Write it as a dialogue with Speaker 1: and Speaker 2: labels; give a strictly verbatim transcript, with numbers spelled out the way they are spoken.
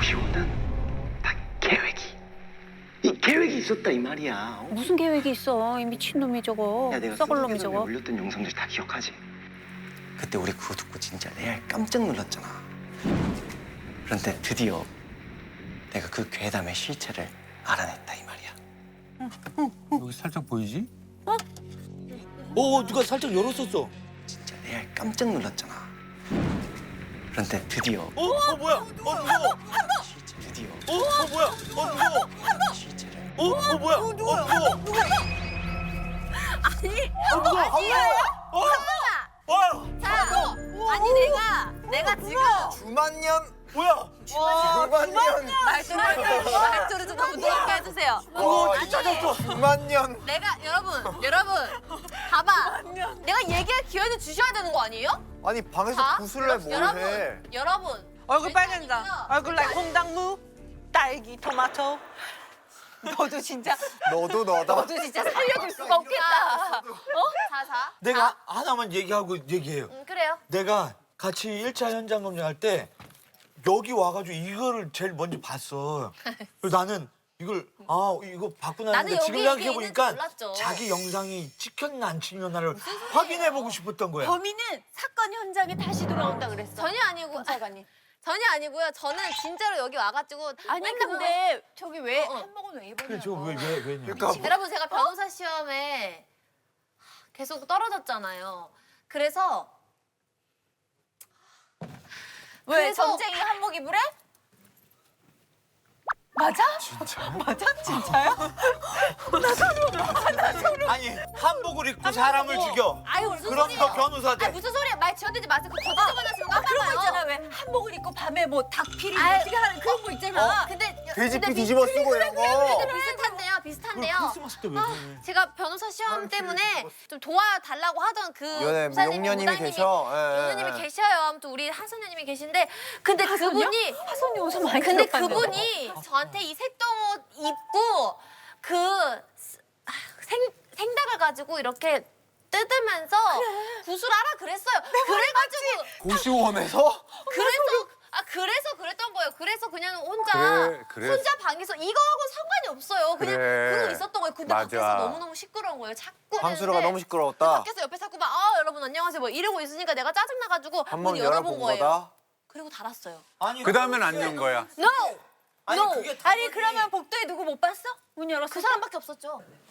Speaker 1: 구십오는 다 계획이 이 계획이 있었다 이 말이야. 어?
Speaker 2: 무슨 계획이 있어? 이 미친놈이 저거.
Speaker 1: 야, 내가
Speaker 2: 썩을 놈이
Speaker 1: 썸네일에
Speaker 2: 저거.
Speaker 1: 올렸던 영상들 다 기억하지? 그때 우리 그거 듣고 진짜 레알 깜짝 놀랐잖아. 그런데 드디어 내가 그 괴담의 실체를 알아냈다 이 말이야.
Speaker 3: 여기 살짝 보이지? 어? 어, 누가 살짝 열었었어.
Speaker 1: 진짜 레알 깜짝 놀랐잖아. 그런데 드디어
Speaker 3: 어? 어, 뭐야? 어, 무서워.
Speaker 1: 실체 드디어
Speaker 3: 어, 어, 뭐야? 어, 무서워.
Speaker 1: 실체를
Speaker 3: 어, 어, 뭐야? 어, 무서워.
Speaker 4: 아니,
Speaker 3: 어, 무서워.
Speaker 4: 아니에요.
Speaker 3: 어, 어,
Speaker 4: 자, 아니 내가 내가 지금
Speaker 5: 주만년
Speaker 3: 뭐야?
Speaker 5: 주만년
Speaker 4: 말투를 말투를 좀 부드럽게 해주세요.
Speaker 3: 어,
Speaker 4: 아니,
Speaker 3: 찾았어.
Speaker 5: 주만년
Speaker 4: 내가 여러분 여러분 봐봐. 내가 얘기할 기회는 주셔야 되는 거 아니에요?
Speaker 5: 아니 방에서
Speaker 4: 봐.
Speaker 5: 구슬래 뭘 해?
Speaker 4: 여러분 여러분
Speaker 6: 얼굴
Speaker 4: 일단은요.
Speaker 6: 빨간다. 얼굴 날 콩당무, 딸기, 토마토. 너도 진짜
Speaker 5: 너도 너다.
Speaker 4: 너도 진짜 살려줄 수가 없겠다. 어? 자, 자.
Speaker 3: 내가
Speaker 4: 자.
Speaker 3: 하나만 얘기하고 얘기해요.
Speaker 4: 음, 그래요.
Speaker 3: 내가 같이 일 차 현장 검증할 때 여기 와가지고 이거를 제일 먼저 봤어. 그래서 나는 이걸 아 이거 봤구나
Speaker 4: 나는
Speaker 3: 했는데 지금
Speaker 4: 여기
Speaker 3: 생각해
Speaker 4: 있는지
Speaker 3: 보니까
Speaker 4: 몰랐죠.
Speaker 3: 자기 영상이 찍혔나 안 찍혔나를 확인해 보고 싶었던 거야.
Speaker 2: 범인은 사건 현장에 다시 돌아온다 그랬어.
Speaker 4: 전혀 아니고
Speaker 2: 검사관이.
Speaker 4: 전혀 아니고요. 저는 진짜로 여기 와가지고
Speaker 2: 아니
Speaker 4: 맨날
Speaker 2: 근데 저기 왜
Speaker 4: 어, 어.
Speaker 2: 한복은 왜
Speaker 3: 그래
Speaker 2: 입었냐고.
Speaker 3: 저왜왜 왜냐?
Speaker 5: 그러니까
Speaker 4: 여러분 제가 변호사 시험에 계속 떨어졌잖아요. 그래서
Speaker 2: 왜
Speaker 4: 그래서-
Speaker 2: 전쟁이 한복 입으래? 맞아?
Speaker 6: 맞아? 진짜요?
Speaker 3: 아니 한복을 입고 사람을 죽여.
Speaker 4: 아유 무슨
Speaker 3: 그럼
Speaker 4: 소리예요?
Speaker 3: 너 변호사 돼.
Speaker 4: 아 무슨 소리야? 말 지어대지 마세요. 그 거짓 접어나시는 거
Speaker 2: 아 그런 거
Speaker 4: 봐요.
Speaker 2: 있잖아 왜 한복을 입고 밤에 뭐 닭피리
Speaker 4: 아이,
Speaker 2: 어떻게 하는 그런 거 있잖아.
Speaker 4: 근데
Speaker 5: 돼지피
Speaker 4: 근데
Speaker 5: 뒤집어 쓰고 이런 거.
Speaker 4: 근데 비슷한데요.
Speaker 3: 그걸
Speaker 4: 비슷한데요.
Speaker 3: 크리스마스 때 왜 그래?
Speaker 4: 제가 변호사 시험 때문에 좀 도와달라고 하던 그
Speaker 5: 연애
Speaker 4: 목사님이,
Speaker 5: 용녀님이
Speaker 4: 무당님이,
Speaker 5: 계셔. 예, 예,
Speaker 4: 용녀님이
Speaker 5: 예.
Speaker 4: 계셔요. 아무튼 우리 하선녀님이 계신데 근데 그분이
Speaker 2: 하선이 옷을 많이
Speaker 4: 근데
Speaker 2: 들어봤네.
Speaker 4: 그분이 저한테 이 색동옷 입고 그 아, 생, 생닭을 가지고 이렇게 뜯으면서 구슬하라 그랬어요. 그래가지고
Speaker 5: 고시원에서
Speaker 4: 그래서 아 그래서 그랬던 거예요. 그래서 그냥 혼자
Speaker 5: 그래, 그래.
Speaker 4: 혼자 방에서 이거하고 상관이 없어요. 그냥
Speaker 5: 그래.
Speaker 4: 그러고 있었던 거예요. 근데
Speaker 5: 맞아.
Speaker 4: 밖에서 너무 너무 시끄러운 거예요. 자꾸
Speaker 5: 방수로가
Speaker 4: 했는데
Speaker 5: 너무 시끄러웠다.
Speaker 4: 밖에서 옆에 자꾸 막 아 여러분 안녕하세요 뭐 이러고 있으니까 내가 짜증 나가지고
Speaker 5: 한
Speaker 4: 문
Speaker 5: 번
Speaker 4: 열어본
Speaker 5: 열어본
Speaker 4: 거예요.
Speaker 5: 거다.
Speaker 4: 그리고 닫았어요.
Speaker 3: 아니
Speaker 7: 그 다음엔 안 연 거야.
Speaker 4: No.
Speaker 3: 아니
Speaker 4: No.
Speaker 3: 그게
Speaker 2: 아니 그러면 복도에 누구 못 봤어? 문 열었을
Speaker 4: 그
Speaker 2: 때?
Speaker 4: 사람밖에 없었죠.